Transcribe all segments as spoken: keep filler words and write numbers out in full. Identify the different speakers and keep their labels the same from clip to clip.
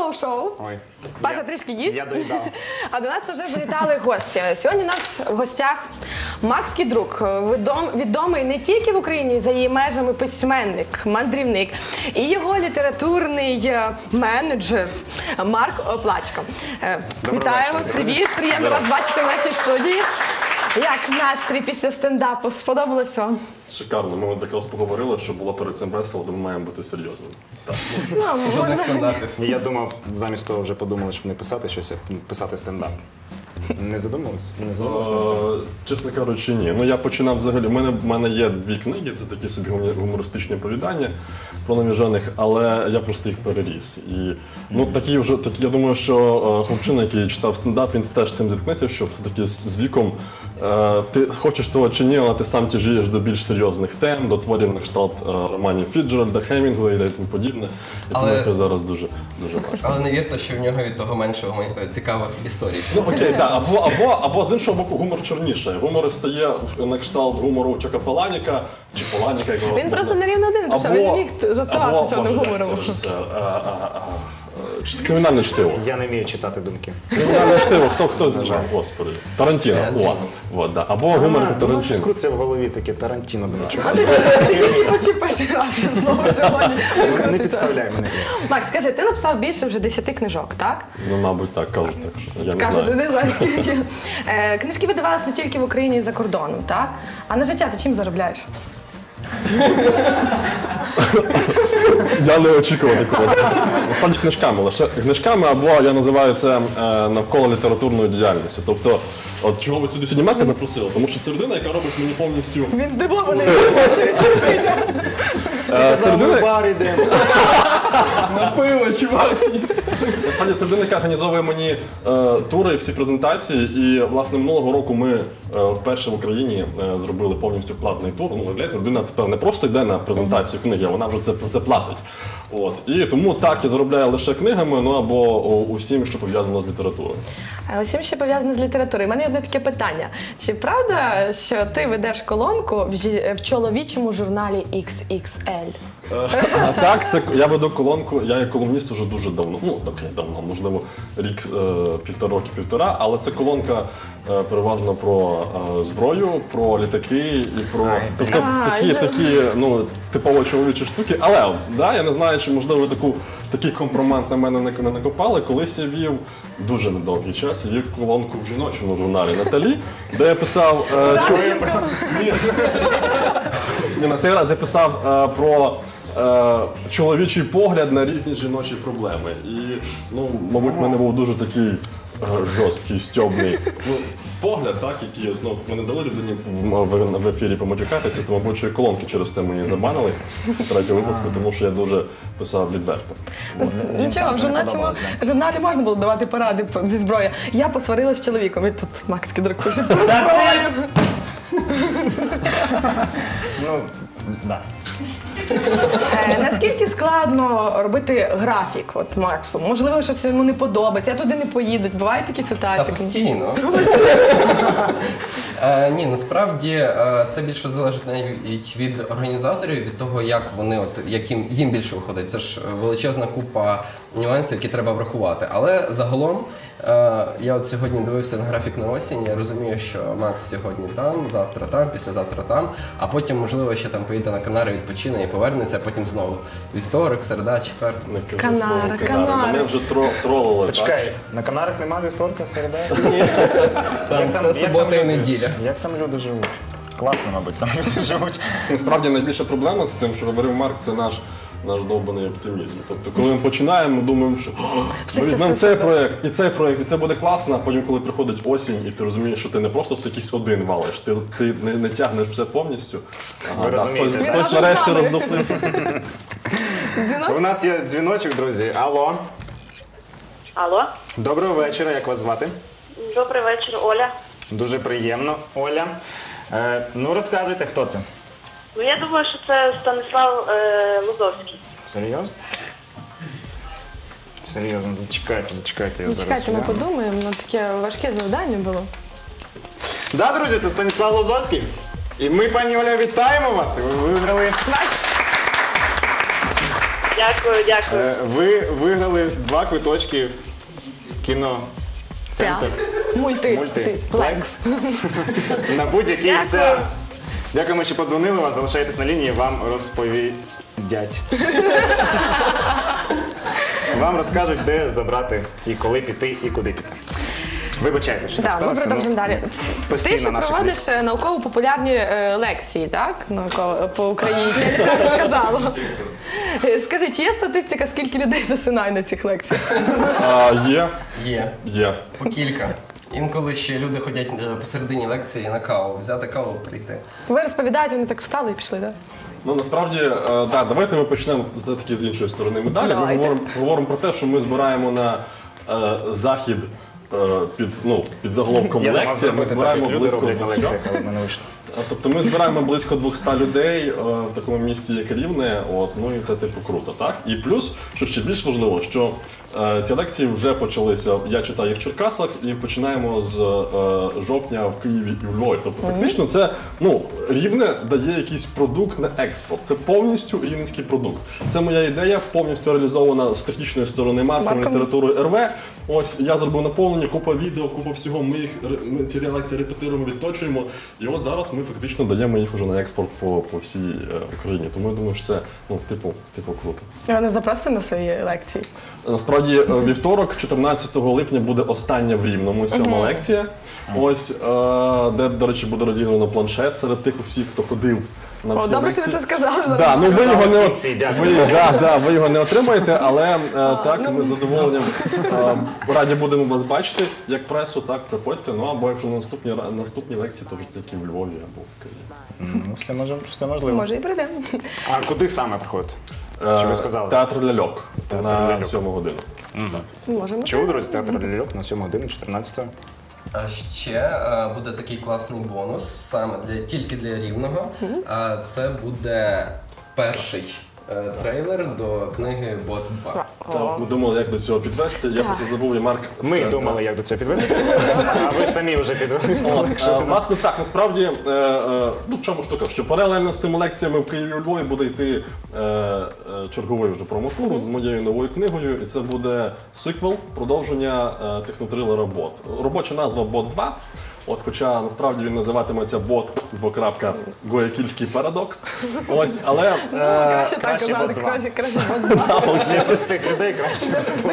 Speaker 1: Hello-шоу.
Speaker 2: Ой.
Speaker 1: Паша
Speaker 2: Я-
Speaker 1: трішки їсть.
Speaker 2: Я доїдав.
Speaker 1: А до нас вже завітали гості. Сьогодні у нас в гостях Макс Кідрук, відом- відомий не тільки в Україні, за її межами письменник, мандрівник, і його літературний е, менеджер Марк Оплачко. Е,
Speaker 2: Доброго
Speaker 1: Вітаю,
Speaker 2: вечора.
Speaker 1: привіт, приємно вас бачити в нашій студії. Як настрій після стендапу? Сподобалось вам?
Speaker 3: Шикарно. Ми от якраз поговорили, що було перед цим весело, то ми маємо бути серйозними. Так.
Speaker 1: Ну, можна...
Speaker 4: Жодних стандартів.
Speaker 2: Я думав, замість того вже подумали, щоб не писати щось, а писати стендап. Не задумались? Не задумались над цим?
Speaker 3: Е, Чесно кажучи, ні. Ну я починав взагалі. У мене, в мене є дві книги, це такі собі гумі- гумористичні оповідання про навіжених, але я просто їх переріс. І ну такі вже такі. Я думаю, що е, хлопчина, який читав стендап, він теж з цим зіткнеться, що все-таки з, з віком е, ти хочеш того чи ні, але ти сам тяжієш до більш серйозних тем, до творів на кшталт е, романів Фіджеральда, Хемінгуея і тому подібне. І тому
Speaker 4: Але-
Speaker 3: яке зараз дуже дуже важко.
Speaker 4: Але не вірте, що в нього від того менше гуман- цікавих історій.
Speaker 3: Ну окей, так, або, або, або з іншого боку гумор чорніше. Гумор стає на кшталт гумору Чака Паланіка, чи Паланіка, як його
Speaker 1: Він
Speaker 3: можна-
Speaker 1: просто на рівно один пішов, він не міг жартувати
Speaker 3: або,
Speaker 1: чорним
Speaker 3: Боже,
Speaker 1: гумором.
Speaker 3: як це режисер? А, а, а, а, чи- Кримінальне чтиво.
Speaker 2: Я не вмію читати думки.
Speaker 3: Кримінальне чтиво, хто хто знає? Господи. Тарантіно. О, от, да. Або гумор
Speaker 2: А, ну, щось
Speaker 3: Тарантіно.
Speaker 2: крутиться в голові таке Тарантіно. блін, чого?
Speaker 1: А ти, ти тільки почув перший раз знову сьогодні.
Speaker 2: Не підставляй мене.
Speaker 1: Макс, скажи, ти написав більше вже десяти книжок, так?
Speaker 3: Ну, мабуть, так кажуть, так що я не
Speaker 1: Каже, ти
Speaker 3: знаю.
Speaker 1: не знаєш скільки. Е, Книжки видавалися не тільки в Україні і за кордоном, так? А на життя ти чим заробляєш?
Speaker 3: Я не очікував такого. Насправді книжками, лише книжками, або я називаю це е, навколо літературною діяльністю. Тобто, от чого ви сюди сьогодні Марка запросили? Тому що це людина, яка робить мені повністю.
Speaker 1: Він здивований, що він це прийде.
Speaker 3: Е, Це
Speaker 2: Ми в
Speaker 3: людина,
Speaker 2: бар йдемо.
Speaker 4: На пиво, чувак!
Speaker 3: насправді це людина, яка організовує мені е, тури, всі презентації. І власне минулого року ми е, вперше в Україні е, зробили повністю платний тур. Ну, уявляєте, людина тепер не просто йде на презентацію книги, а вона вже це, це платить. От. І тому так я заробляю лише книгами, ну або о, усім, що пов'язано з літературою.
Speaker 1: А усім ще пов'язано з літературою. У мене є одне таке питання. Чи правда, що ти ведеш колонку в, жі- в чоловічому журналі ікс ікс ель?
Speaker 3: А так, це я веду колонку, я є колумніст уже дуже давно. Ну, окей, давно, можливо, рік, е, півтора роки, півтора, але це колонка е, переважно про е, зброю, про літаки і про
Speaker 2: Ай,
Speaker 3: тобто
Speaker 1: А,
Speaker 3: такі,
Speaker 1: я-
Speaker 3: такі ну, типово чоловічі штуки. Але да, я не знаю, чи можливо таку такий компромент на мене не, не накопали. Колись я вів дуже недовгий час, я вів колонку в жіночому журналі Наталі, де я писав е, чо- Ні, на цей раз я писав е, про е, чоловічий погляд на різні жіночі проблеми. І, ну, мабуть, в мене був дуже такий е, жорсткий, стьобний ну, погляд, так, який ну, ми не дали людині в, в, в ефірі помочекатися, то, мабуть, що і колонки через те мені забанили з третього випуску, тому що я дуже писав відверто.
Speaker 1: Нічого, в журнальчому журналі можна було давати поради по- зі зброї. Я посварилася з чоловіком, і тут Макс Кідрук пише про зброю.
Speaker 2: Ну, да.
Speaker 1: Е, Наскільки складно робити графік от Максу? Можливо, щось йому не подобається, а туди не поїдуть. Бувають такі
Speaker 4: Та
Speaker 1: ситуації?
Speaker 4: постійно. Е, Ні, насправді е, це більше залежить навіть від організаторів, від того, як вони, от яким їм більше виходить. Це ж величезна купа нюансів, які треба врахувати. Але загалом е, я от сьогодні дивився на графік на осінь. Я розумію, що Макс сьогодні там, завтра там, післязавтра там, а потім, можливо, ще там поїде на Канари, відпочине і повернеться, а потім знову вівторок, середа, четвер.
Speaker 3: Не кажи
Speaker 1: Канара,
Speaker 3: слово
Speaker 1: Канари.
Speaker 3: Мене вже тро, тролили.
Speaker 2: Почекай, на Канарах нема вівторка, середа?
Speaker 4: Там
Speaker 2: Як
Speaker 4: все
Speaker 2: як
Speaker 4: субота і
Speaker 2: люди-
Speaker 4: неділя.
Speaker 2: Як там люди живуть? Класно, мабуть, там люди живуть.
Speaker 3: Насправді найбільша проблема з тим, що говорив Марк, це наш, наш довбаний оптимізм. Тобто, коли ми починаємо, ми думаємо, що
Speaker 1: Все,
Speaker 3: ми
Speaker 1: все,
Speaker 3: візьмемо
Speaker 1: все,
Speaker 3: цей
Speaker 1: все.
Speaker 3: проєкт, і цей проєкт, і це буде класно, а потім, коли приходить осінь, і ти розумієш, що ти не просто якийсь один валиш, ти, ти не, не тягнеш все повністю.
Speaker 2: Ви розумієте,
Speaker 3: хтось,
Speaker 2: так?
Speaker 3: хтось
Speaker 1: Він
Speaker 3: нарешті
Speaker 1: разом з нами.
Speaker 3: роздухлився.
Speaker 2: У нас є дзвіночок, друзі. Алло.
Speaker 5: Алло,
Speaker 2: Доброго вечора, як вас звати?
Speaker 5: добрий вечір, Оля.
Speaker 2: Дуже приємно, Оля. Е, ну, розказуйте, хто це?
Speaker 5: Ну, я думаю, що це Станислав е, Лозовський.
Speaker 2: Серйозно? Серйозно, зачекайте, зачекайте. Я зараз
Speaker 1: Чекайте, ми
Speaker 2: гляну.
Speaker 1: подумаємо, ну таке важке завдання було.
Speaker 2: Да, друзі, це Станіслав Лозовський. І ми, пані Оля, вітаємо вас. Ви виграли
Speaker 5: Дякую, дякую.
Speaker 2: Е, Ви виграли два квиточки в кіно. Центр
Speaker 1: Мульти.
Speaker 2: Мультиплекс на будь-який
Speaker 5: Дякую.
Speaker 2: сеанс. Дякуємо, що подзвонили вас. Залишайтесь на лінії, вам розповідять. Вам розкажуть, де забрати і коли піти, і куди піти. Вибачайте, що так
Speaker 1: Так, ми
Speaker 2: сталося.
Speaker 1: продовжимо
Speaker 2: ну,
Speaker 1: далі.
Speaker 2: постійно
Speaker 1: Ти ще
Speaker 2: наша
Speaker 1: проводиш е, науково-популярні е, лекції, так? Науково по Україні. Чи я неправильно сказала? Е, Скажи, чи є статистика, скільки людей засинає на цих лекціях?
Speaker 3: А, є,
Speaker 4: Є.
Speaker 3: є.
Speaker 4: По кілька. Інколи ще люди ходять е, посередині лекції на каву, взяти каву, прийти.
Speaker 1: Ви розповідаєте, вони так встали і пішли, так?
Speaker 3: Ну насправді, е, да, давайте ми почнемо з таки з іншої сторони медалі. Ми
Speaker 1: Давайте.
Speaker 3: говоримо, говоримо про те, що ми збираємо на е, захід е, під, ну, під заголовком
Speaker 2: Я думав
Speaker 3: лекція. Ми
Speaker 2: зробити так,
Speaker 3: збираємо
Speaker 2: як люди
Speaker 3: близько
Speaker 2: роблять на
Speaker 3: двохсот.
Speaker 2: лекціях, але в мене вийшло.
Speaker 3: Тобто ми збираємо близько двохсот людей е, в такому місті, як Рівне, от, ну і це типу круто, так? І плюс, що ще більш важливо, що е, ці лекції вже почалися, я читаю їх в Черкасах, і починаємо з е, жовтня в Києві і в Львові. Тобто фактично це, ну, Рівне дає якийсь продукт на експорт. Це повністю рівненський продукт. Це моя ідея, повністю реалізована з технічної сторони маркетингу,
Speaker 1: Марком.
Speaker 3: літератури ер ве. Ось я зробив наповнення, купа відео, купа всього. Ми їх ре- ми ці лекції репетируємо, відточуємо. І от зараз ми фактично даємо їх уже на експорт по, по всій е, Україні. Тому я думаю, що це ну, типу, типу круто.
Speaker 1: Ви не запросите на свої лекції?
Speaker 3: Насправді, е, вівторок, чотирнадцятого липня, буде остання в Рівному сьома лекція. Ось, е, де, до речі, буде розіграно планшет серед тих всіх, хто ходив на
Speaker 1: О,
Speaker 3: всі
Speaker 1: добре, що ви
Speaker 3: лекції.
Speaker 1: це сказали.
Speaker 3: Да,
Speaker 1: зараз.
Speaker 3: ну ви його не
Speaker 2: в
Speaker 3: от...
Speaker 2: кінці, дякую.
Speaker 3: ви, да, да, ви його не отримаєте, але е, так,
Speaker 1: ну.
Speaker 3: ми з задоволенням е, раді будемо вас бачити, як пресу, так, приходьте. Ну або якщо на наступні, ра- наступні лекції, то вже тільки в Львові або в Києві.
Speaker 2: Ну, все, може, все можливо.
Speaker 1: Може і прийдемо.
Speaker 2: А куди саме приходите? Чи ви сказали?
Speaker 3: Театр ляльок
Speaker 2: Театр
Speaker 3: на
Speaker 2: ляльок.
Speaker 3: сьому годину.
Speaker 1: Можемо.
Speaker 2: Чув, друзі, театр ляльок на сьому годину, чотирнадцятого.
Speaker 4: А ще е, буде такий класний бонус саме для тільки для рівного. А це буде перший е, трейлер до книги Бот два.
Speaker 3: Так, ми думали, як до цього підвести. Я просто забув, і Марк.
Speaker 2: Ми
Speaker 3: все,
Speaker 2: думали, як до цього підвести, а ви самі вже підвели.
Speaker 3: От, е, власне, так, насправді, е, е, ну в чому штука, що паралельно з тими лекціями в Києві і у Львові буде йти е, е, черговий вже промотур з моєю новою книгою, і це буде сиквел, продовження е, технотрилера Бот. Робоча назва Бот два. От, хоча насправді він називатиметься Бот двокрапка Гоякільський парадокс. Ось, але е,
Speaker 1: Краще так
Speaker 2: краще
Speaker 1: казати,
Speaker 2: бот два.
Speaker 1: краще, краще бот два.
Speaker 2: Для простих людей краще.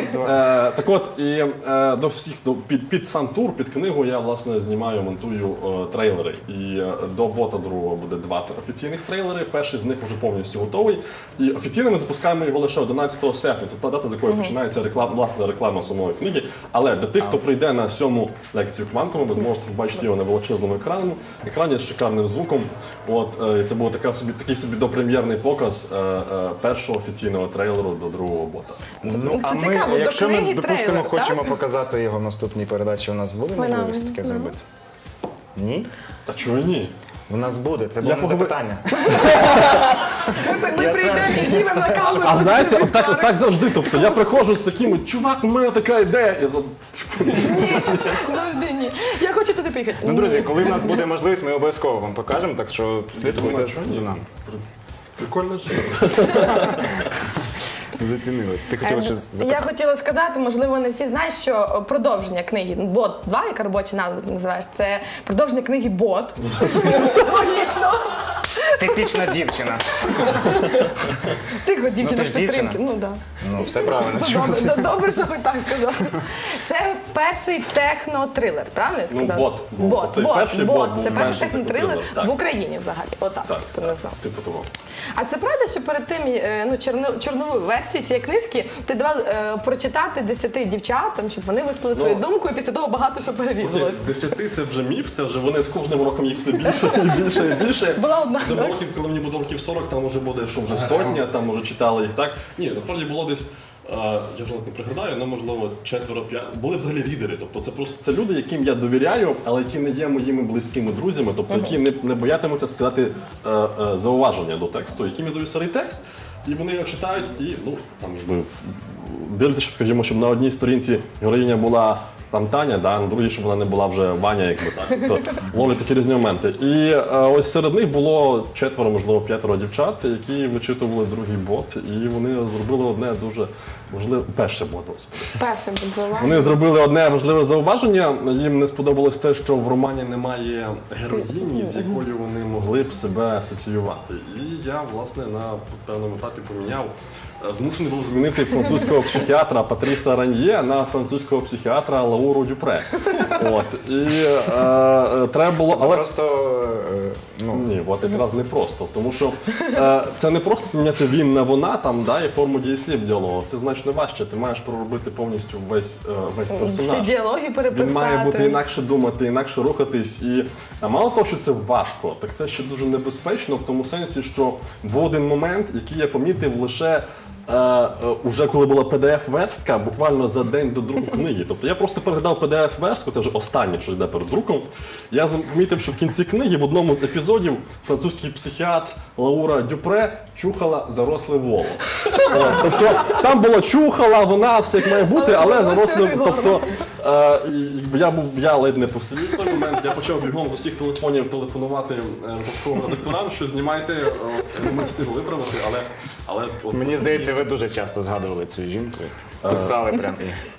Speaker 3: Е, так от, і е, до всіх до, під, під сам тур, під книгу я власне знімаю, монтую е, трейлери. І е, до бота другого буде два офіційних трейлери. Перший з них вже повністю готовий. І офіційно ми запускаємо його лише одинадцятого серпня. Це та дата, з якої починається реклама, власне реклама самої книги. Але для тих, хто прийде на сьому лекцію квантуму, ви зможете побачити його на величезному екрані, екрані з шикарним звуком. От е, і це був така собі такий собі допрем'єрний показ е, е, першого офіційного трейлеру до другого бота.
Speaker 2: Ну, а
Speaker 1: Це
Speaker 2: ми,
Speaker 1: цікаво, до
Speaker 2: якщо ми,
Speaker 1: книги
Speaker 2: допустимо,
Speaker 1: трейлер,
Speaker 2: хочемо
Speaker 1: так?
Speaker 2: показати його в наступній передачі, у нас буде
Speaker 1: Вона-
Speaker 2: можливість таке зробити? Ні?
Speaker 3: А чого ні?
Speaker 2: У нас буде, це було не
Speaker 3: поговор-
Speaker 2: запитання.
Speaker 1: Ми
Speaker 2: Я
Speaker 1: прийдемо
Speaker 2: знаю,
Speaker 1: і знімемо на камеру.
Speaker 3: А знаєте, от так, так завжди. Тобто я приходжу з такими, чувак, у мене така ідея. І за-
Speaker 1: Завжди ні. Я хочу туди поїхати.
Speaker 2: Ну, друзі, коли в нас буде можливість, ми обов'язково вам покажемо, так що слідкуйте за нами.
Speaker 3: Прикольно ж.
Speaker 2: Зацінили. Ти хотіла щось
Speaker 1: Я
Speaker 2: запитати?
Speaker 1: хотіла сказати, можливо, не всі знають, що продовження книги Бот два, яка робоча назва називаєш, це продовження книги Бот. Логічно.
Speaker 2: Типічна дівчина.
Speaker 1: Тихо, дівчина,
Speaker 2: ти ж
Speaker 1: з підтримки.
Speaker 2: дівчина.
Speaker 1: Ну так.
Speaker 2: Ну, все правильно.
Speaker 1: Добре, д- добре, що хоч так сказав. Це перший технотрилер, правильно я
Speaker 3: Ну,
Speaker 1: сказала?
Speaker 3: «Бот» був.
Speaker 1: Бот,
Speaker 3: Оцей
Speaker 1: бот,
Speaker 3: перший
Speaker 1: бот.
Speaker 3: «Бот» був
Speaker 1: Це перший
Speaker 3: перший
Speaker 1: технотрилер
Speaker 3: технотрилер, так.
Speaker 1: в Україні взагалі. Отак,
Speaker 3: Так,
Speaker 1: хто не знав.
Speaker 3: типу того.
Speaker 1: А це правда, що перед тим е, ну, чорно- чорнову версію цієї книжки ти давав е, прочитати десяти дівчатам, щоб вони висловили свою
Speaker 3: Ну,
Speaker 1: думку, і після того багато що перерізалось.
Speaker 3: З десяти це вже міф, це вже вони з кожним роком їх все більше і більше і більше.
Speaker 1: Була одна,
Speaker 3: До
Speaker 1: так?
Speaker 3: років, коли мені буде років сорок, там вже буде, що вже сотня, там вже читали їх так. Ні, насправді було десь. е, Я вже не пригадаю, але можливо четверо п'ять. Були взагалі лідери. Тобто це просто це люди, яким я довіряю, але які не є моїми близькими друзями, тобто які не, не боятимуться сказати е, е, зауваження до тексту, яким я даю старий текст, і вони його читають, і ну там якби дивляться, щоб скажімо, щоб на одній сторінці героїня була там Таня, да, на другій, щоб вона не була вже Ваня, якби так. Тобто ловлять такі різні моменти. І е, ось серед них було четверо, можливо, п'ятеро дівчат, які вичитували другий бот, і вони зробили одне дуже важливе, перше бот, господи.
Speaker 1: Першим подзвонила.
Speaker 3: Вони зробили одне важливе зауваження. Їм не сподобалось те, що в романі немає героїні, з якою вони могли б себе асоціювати. І я, власне, на певному етапі поміняв. Змушений був змінити французького психіатра Патріса Раньє на французького психіатра Лауру Дюпре. От. І е, е, треба було. Але
Speaker 2: Просто, е, ну,
Speaker 3: ні, от якраз не просто. Тому що е, це не просто поміняти він на вона там, да, і форму дієслів діалогу. Це значно важче. Ти маєш проробити повністю весь, е, весь
Speaker 1: Всі
Speaker 3: персонаж.
Speaker 1: діалоги переписати.
Speaker 3: Він має бути інакше думати, інакше рухатись. І а мало того, що це важко, так це ще дуже небезпечно в тому сенсі, що був один момент, який я помітив лише е, е, уже коли була пі ді еф-верстка, буквально за день до друку книги. Тобто я просто переглядав пі ді еф-верстку, це вже останнє, що йде перед друком. Я помітив, що в кінці книги в одному з епізодів французький психіатр Лаура Дюпре чухала заросле воло. От, тобто там було чухала, вона все як має бути, але
Speaker 1: Але
Speaker 3: заросле.
Speaker 1: було
Speaker 3: Тобто е, і я був я ледь не посидів в той момент. Я почав бігом з усіх телефонів телефонувати е, військовим редакторам, що знімайте. Е, ми встигли виправити, але але от
Speaker 2: мені здається, ви дуже часто згадували цю жінку. Писали прям.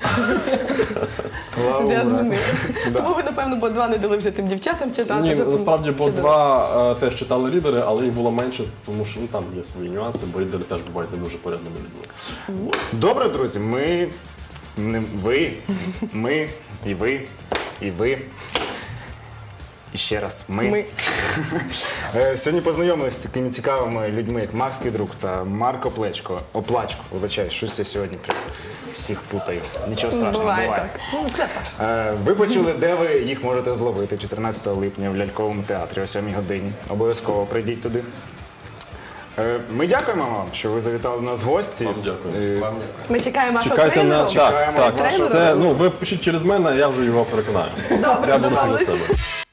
Speaker 1: Я змінила.
Speaker 2: Да.
Speaker 1: Тому ви, напевно, бо два не дали вже тим дівчатам читати.
Speaker 3: ні,
Speaker 1: щоб-
Speaker 3: насправді бо
Speaker 1: чи
Speaker 3: два е, теж читали лідери, але їх було менше, тому що ну там є свої нюанси, бо лідери теж бувають не дуже порядними людьми.
Speaker 2: Добре, друзі, ми, не ви, ми, і ви, і ви. І ще раз ми.
Speaker 1: Ми.
Speaker 2: Е, Сьогодні познайомилися з такими цікавими людьми, як Макс Кідрук та Марко Плечко. Оплачко, вибачаю, щось я сьогодні прям всіх путаю. Нічого страшного,
Speaker 1: Буває
Speaker 2: буває.
Speaker 1: так. Ну, це перше.
Speaker 2: Е, Ви почули, де ви їх можете зловити чотирнадцятого липня в Ляльковому театрі о сьомій годині. Обов'язково прийдіть туди. Е, Ми дякуємо вам, що ви завітали до нас в гості.
Speaker 3: Вам дякую.
Speaker 2: Е,
Speaker 4: Вам дякую.
Speaker 1: Ми чекаємо вашого
Speaker 3: Чекайте на
Speaker 1: тренера.
Speaker 3: так, так.
Speaker 2: вашого
Speaker 3: Це ну ви пишіть через мене, я вже його переконаю.
Speaker 1: Добре,
Speaker 3: Я буду це на
Speaker 1: домовились.
Speaker 3: себе.